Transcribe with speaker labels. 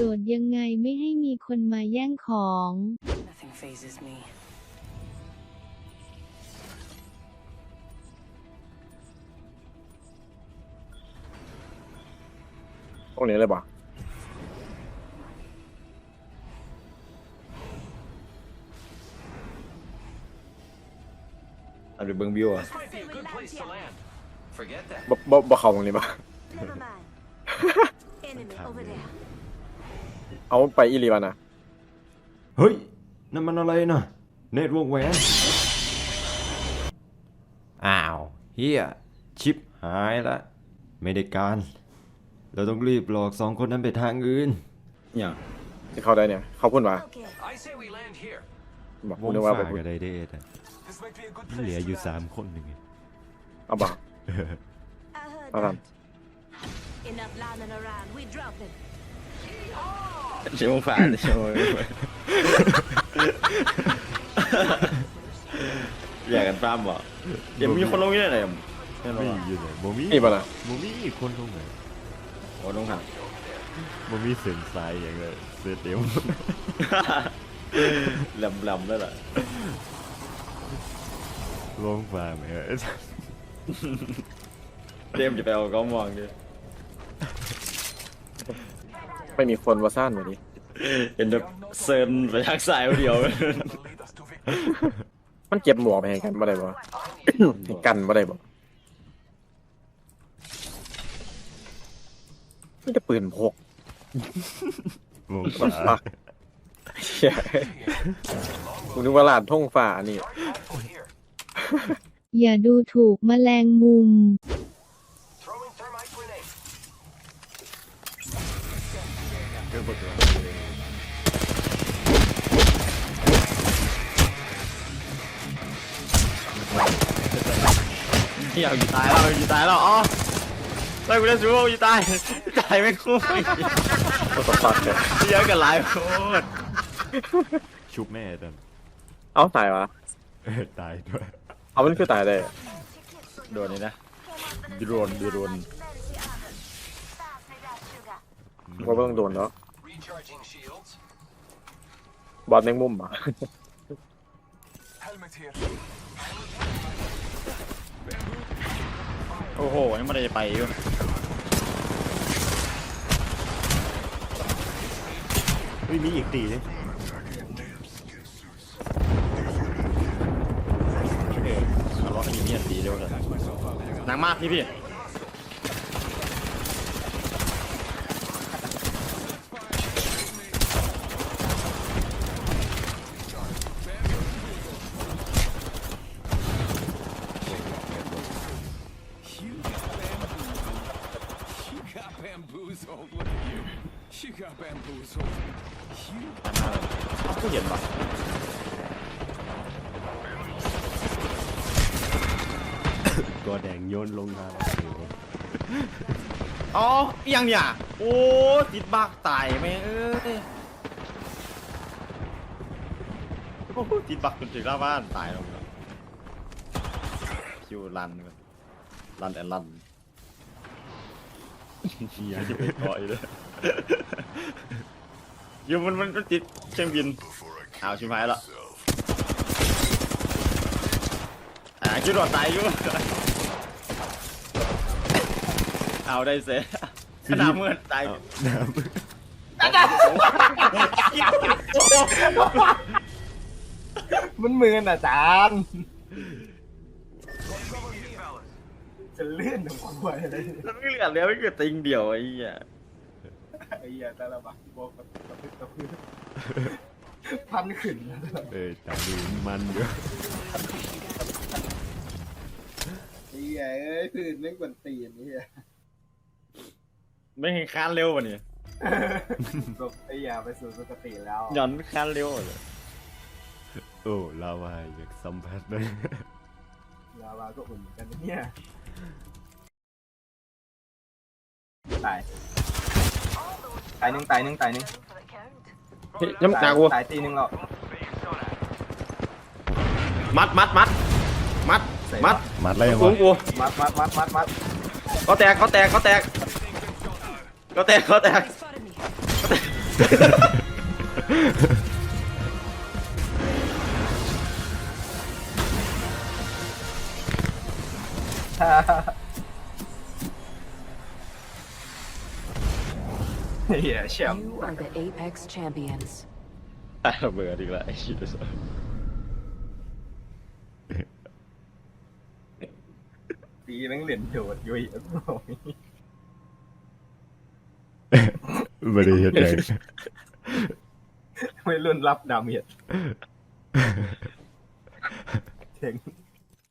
Speaker 1: ดดยังไงไม่ให้มีคนมาแย่งของ
Speaker 2: Nothing phases me.
Speaker 3: พวกนี้เลยบ่เอาดูเบิ้งวิวอ่ะ
Speaker 4: This might be a good place to land. Forget that.
Speaker 3: บ่เข้าตรงนี้บ่
Speaker 5: Never mind. Enemy over there.
Speaker 3: เอาไปอีหลีวะนะ
Speaker 6: เฮ้ยนั่นมันอะไรนะเน็ตวงแหวนอ้าวเฮียชิปหายละไม่ได้การเราต้องรีบหลอกสองคนนั้นไปทางอื่น
Speaker 3: เนี่ยที่เข้าได้เนี่ยเข้าพุ่นวะ
Speaker 5: Okay.
Speaker 4: I say we land here.
Speaker 3: บอก
Speaker 6: ว
Speaker 3: กู
Speaker 6: ง
Speaker 3: นึกว่า
Speaker 6: ฝ่า
Speaker 3: ไปพุ่น
Speaker 6: ก็ได้เดทอะ
Speaker 4: This might be a good
Speaker 6: เหลือ
Speaker 4: place
Speaker 6: อยู่
Speaker 4: to land.
Speaker 6: 3 คนหนึ่ง
Speaker 3: เอาบ่
Speaker 5: I heard
Speaker 3: เอาท
Speaker 5: that. Enough landing around. We dropping.
Speaker 3: ำชิวฝาชิวอยากกันฟ้ามบ่ยังมีคนลงนี่ไหน
Speaker 6: ไม่อยู่ไหนบ่มี
Speaker 3: นี่ป่ะนะ
Speaker 6: บ่มีคนลงไหน
Speaker 3: โอ้ลงหัก
Speaker 6: บ่มีเส้นสายอย่างเลยเส้นเดียว
Speaker 3: ลำแล้วล่ะ
Speaker 6: ลงฝ่าไหมเออ
Speaker 3: เจมจะไปเอาก้อมองดิไม่มีคนว่าซ่านวันนี้เห็นแบบเซิร์นไปทางสายเดียว
Speaker 4: That'll lead us to victory.
Speaker 3: มันเก็บหมวกไปให้กันบ่ได้บ่ ให้กันบ่ได้บ่ไม่ได้ปืนพก
Speaker 6: วงฝ่า
Speaker 3: ปักเหี้ยกูนึกว่าลานท่งฝ่านี่
Speaker 4: Rifle here.
Speaker 1: อย่าดูถูกแมลงมุม
Speaker 4: Throwing thermite grenade.
Speaker 3: เที่ยวอยู่ตายแล้วอ๋อไล่กูได้สู้อยู่ตายไม่คุ้มก็ตปักเลยเยอะกันหลายโคตร
Speaker 6: ชุบแม่ตอน
Speaker 3: เอ้าตายวะ
Speaker 6: ตายด้วย
Speaker 3: เอามันคือตายได้โดนนี่นะโดน ก็ต้องโดนเนาะ
Speaker 4: Recharging shields.
Speaker 3: บอลแมงมุมอ่ะ
Speaker 4: Helmet here.
Speaker 3: โอ้โหยังไม่ได้ไปอยู่
Speaker 6: เฮ้ยมีอีกตีเลย
Speaker 3: ทะเลาะกันอยู่เนี่ยดีเร็วเลยหนังมากพี่
Speaker 4: You got bamboozled. Look at you. You got bamboozled.
Speaker 3: ผู้เห็นปะ
Speaker 6: ตัวแดงโยนลงมา
Speaker 3: อ๋อเอียงเนี่ยโอ้ติดบักตายแม่เอ้ยโอ้ติดบักจนถึงหน้าบ้านตายลงแล้วคิวรันแอนรันอยากจะไปต่อยเลยอยู่มันติดเครื่องบินเอาชิบหายแล้วคิดว่าตายอยู่เอาได้เสียขนาดเมื่อตาย
Speaker 6: น้ำ
Speaker 7: มันมือน่ะจานจะเลื่อนของกูอะไร
Speaker 3: แล้วไม่เหลือแล้วไม่เกิดติงเดียวไอ้เหี้ย
Speaker 7: ไอ้เหี้ยแต่ละบักบอกกระพือพันขึ้นนะ
Speaker 6: ตาดูมันเยอะ
Speaker 7: ไอ้เหี้ยเอ้ยพื้นไม่กวนตีนไอ้เหี้ย
Speaker 3: ไม่เห็นคานเร็วกว่านี้
Speaker 7: แบบไอ้เหี้ยไปสู่สุคติแล้ว
Speaker 3: หย่อนคานเร็วเลย
Speaker 6: โอ้ลาวาอยากสัมผัสเลย
Speaker 7: ลาวาก็อุ่นเหมือนกันนะเนี่ยตายหนึ่ง
Speaker 3: ยังหนักกู
Speaker 7: ตายตีหนึ่งหรอก
Speaker 3: มัด
Speaker 6: มัดอะไร
Speaker 3: กู
Speaker 6: วะ
Speaker 3: กู
Speaker 7: มัด
Speaker 3: เขาแตก
Speaker 5: They spotted me.
Speaker 7: เหี้ยแชมป์
Speaker 5: You are the Apex champions.
Speaker 3: ตายระเบิดอีกแล้วไอ้ชิบ
Speaker 7: ตีแม่งเหรียญโดดอยู่อีก
Speaker 6: ไม่ได้เห็นเลย
Speaker 7: ไม่รุ่นรับดาเมจเจ๋ง